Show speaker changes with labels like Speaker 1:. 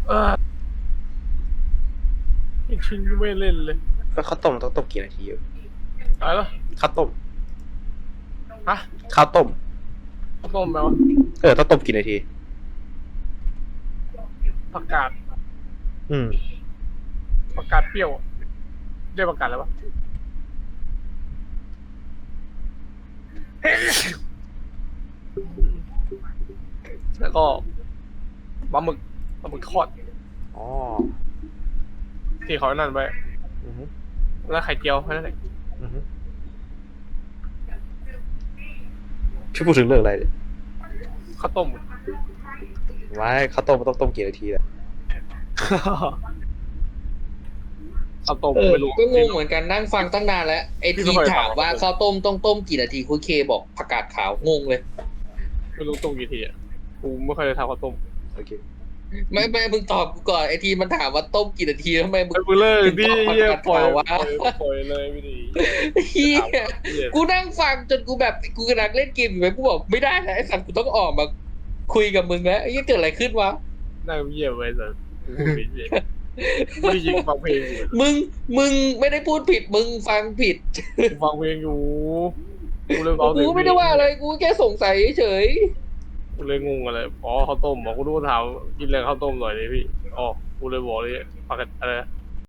Speaker 1: เออไม่ชินไม่เล่นเลย
Speaker 2: แล้วข้าวต้มต้องต้มกี่นาทีอยู่
Speaker 1: อะไรล่ะ
Speaker 2: ข้าวต้ม
Speaker 1: ฮะ
Speaker 2: ข้าวต้ม
Speaker 1: ข้าวต้มแปลว่า
Speaker 2: ต้องต้มกี่นาที
Speaker 1: ผักกาด
Speaker 2: อืม
Speaker 1: ผักกาดเปรี้ยวเรียกผักกาดอะไรวะแล้วก็ปลาหมึกทอด
Speaker 2: อ๋อ
Speaker 1: ที่เขานั่นไป
Speaker 2: อือฮึ
Speaker 1: แล้วไข่เจียวแค่นั้นแหละ
Speaker 2: อือฮึช่วยพูดถึงเรื่องอะไรเนี่ย
Speaker 1: ข้าวต้ม
Speaker 2: ไม่ข้าวต้มมันต้องต้มกี่นาทีอะ
Speaker 1: ข้าวต้มไม่รู้
Speaker 3: ก็งงเหมือนกันนั่งฟังตั้งนานแล้วไอ้ทีถามว่าข้าวต้มต้องต้มกี่นาทีคุณเคบอกผักกาดขาวงงเลย
Speaker 1: ไม่รู้ต้มกี่ทีอ่ะกูไม่ค่อยได้ทำข้าวต้ม
Speaker 2: โอเค
Speaker 3: ไม่มึงตอบกูก่อนไอ้ทีมันถามว่าต้มกี่นาทีทำไมมึง
Speaker 1: ไอ้กูเลิก
Speaker 3: ถึง
Speaker 1: ดิ
Speaker 3: ตอบผัก
Speaker 1: เหี้ย
Speaker 3: กาด
Speaker 1: ปล่อย
Speaker 3: ขาววะ
Speaker 1: ปล่อยเลยไม่ดี
Speaker 3: เฮีย
Speaker 1: เหี้ย
Speaker 3: กูนั่งฟังจนกูแบบกูกำลังเล่นเกมอยู่ไหมกูบอกไม่ได้นะไอ้สัตว์กูต้องออกมาคุยกับมึงแล้วไอ้เหี้ยเกิดอะไรขึ้นวะ
Speaker 1: นั่งเยี่ยมไว้สัสกูพูดผิดเลยไม่ได้ยิงฟังเพลงอยู่
Speaker 3: มึงไม่ได้พูดผิดมึงฟังผิด
Speaker 1: กูฟังเพลงอยู่กูเลยเอา
Speaker 3: กูไม่ได้ว่าอะไรกูแค่สงสัยเฉย
Speaker 1: กูเลยงงอะไรอ๋อข้าวต้มบอกกูรู้ถามกินแรงข้าวต้มหน่อยเลยพี่อ๋อกูเลยบอกเลยผักกาดอะไรนะ